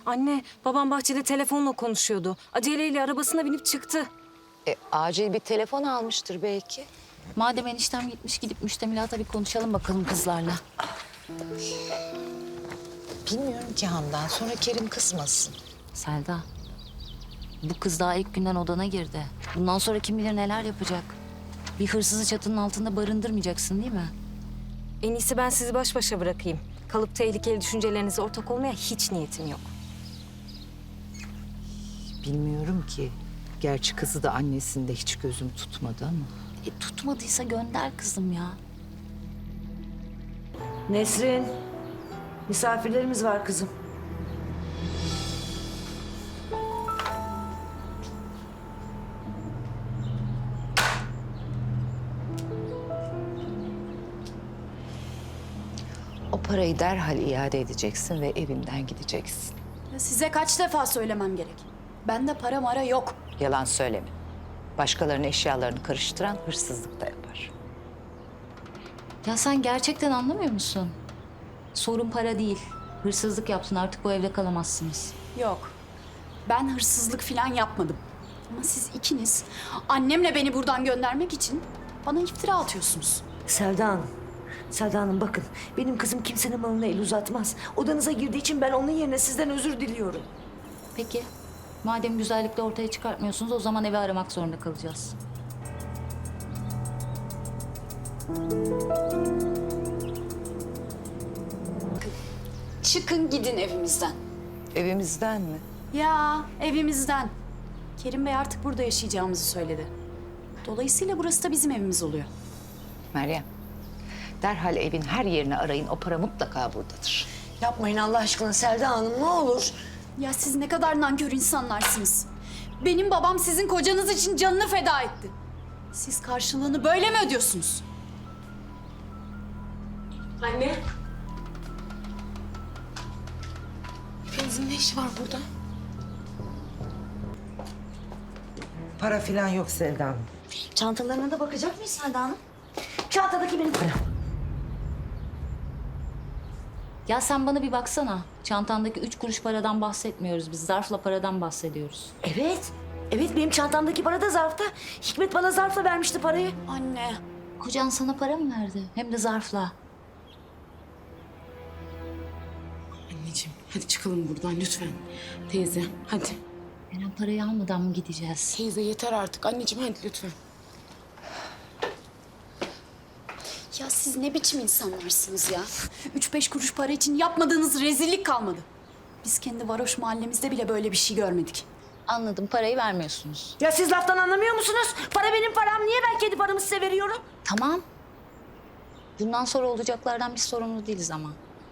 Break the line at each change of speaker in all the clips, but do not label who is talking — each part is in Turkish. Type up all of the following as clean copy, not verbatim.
Anne, babam bahçede telefonla konuşuyordu. Aceleyle arabasına binip çıktı.
Acil bir telefon almıştır belki.
Madem eniştem gitmiş, gidip müştemilata bir konuşalım bakalım kızlarla.
Bilmiyorum ki Handan. Sonra Kerim kızmasın.
Selda, bu kız daha ilk günden odana girdi. Bundan sonra kim bilir neler yapacak. Bir hırsızı çatının altında barındırmayacaksın değil mi?
En iyisi ben sizi baş başa bırakayım. Kalıp tehlikeli düşüncelerinize ortak olmaya hiç niyetim yok.
Bilmiyorum ki. Gerçi kızı da annesinde hiç gözüm tutmadı ama.
Tutmadıysa gönder kızım ya.
Nesrin, misafirlerimiz var kızım.
O parayı derhal iade edeceksin ve evinden gideceksin.
Ya size kaç defa söylemem gerek? Bende para mara yok.
Yalan söyleme. Başkalarının eşyalarını karıştıran hırsızlık da yapar.
Ya sen gerçekten anlamıyor musun? Sorun para değil. Hırsızlık yaptın, artık bu evde kalamazsınız.
Yok. Ben hırsızlık falan yapmadım. Ama siz ikiniz annemle beni buradan göndermek için bana iftira atıyorsunuz.
Selda Hanım, Selda Hanım bakın benim kızım kimsenin malına el uzatmaz. Odanıza girdiği için ben onun yerine sizden özür diliyorum.
Peki, madem güzellikle ortaya çıkartmıyorsunuz, o zaman evi aramak zorunda kalacağız.
Çıkın gidin evimizden.
Evimizden mi?
Ya evimizden. Kerim Bey artık burada yaşayacağımızı söyledi. Dolayısıyla burası da bizim evimiz oluyor.
Meryem, derhal evin her yerini arayın. O para mutlaka buradadır.
Yapmayın Allah aşkına Selda Hanım ne olur.
Ya siz ne kadar nankör insanlarsınız. Benim babam sizin kocanız için canını feda etti. Siz karşılığını böyle mi ödüyorsunuz?
Anne.
Hepinizin ne işi var burada? Para falan yok Selda Hanım. Çantalarına da bakacak mıyız Selda Hanım? Çantadaki benim param.
Ya sen bana bir baksana. Çantandaki 3 kuruş paradan bahsetmiyoruz biz. Zarfla paradan bahsediyoruz.
Evet. Evet benim çantamdaki para da zarfta. Hikmet bana zarfla vermişti parayı.
Anne.
Kocan sana para mı verdi? Hem de zarfla.
Anneciğim hadi çıkalım buradan lütfen. Teyze hadi.
Eren, parayı almadan mı gideceğiz?
Teyze yeter artık anneciğim hadi lütfen.
Ya siz ne biçim insanlarsınız ya? 3-5 kuruş para için yapmadığınız rezillik kalmadı. Biz kendi varoş mahallemizde bile böyle bir şey görmedik.
Anladım, parayı vermiyorsunuz.
Ya siz laftan anlamıyor musunuz? Para benim param. Niye ben kendi paramı size veriyorum?
Tamam. Bundan sonra olacaklardan biz sorumlu değiliz ama.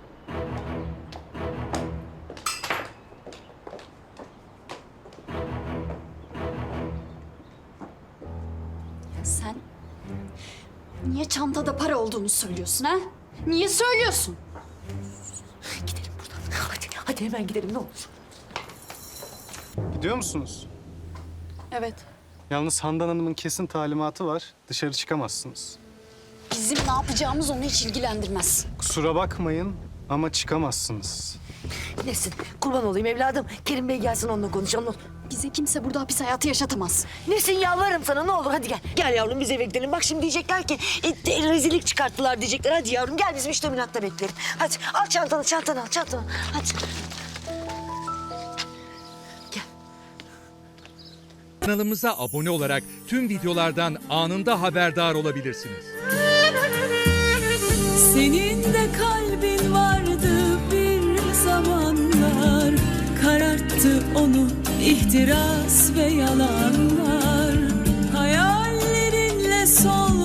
Sen niye çantada para olduğunu söylüyorsun ha? Niye söylüyorsun?
Gidelim buradan. Hadi hemen gidelim ne olur.
Gidiyor musunuz?
Evet.
Yalnız Handan Hanım'ın kesin talimatı var. Dışarı çıkamazsınız.
Bizim ne yapacağımız onu hiç ilgilendirmez.
Kusura bakmayın ama çıkamazsınız.
Nesin? Kurban olayım evladım. Kerim Bey gelsin onunla konuşalım.
Bize kimse burada hapis hayatı yaşatamaz.
Nesin yalvarırım sana ne olur hadi gel. Gel yavrum biz eve gidelim. Bak şimdi diyecekler ki rezillik çıkarttılar diyecekler. Hadi yavrum gel bizim müştemilatta bekleyelim. Hadi al çantanı al çantanı. Hadi.
Kanalımıza abone olarak tüm videolardan anında haberdar olabilirsiniz.
Senin de kalbin vardı bir zamanlar, kararttı onu ihtiras ve yalanlar. Hayallerinle sol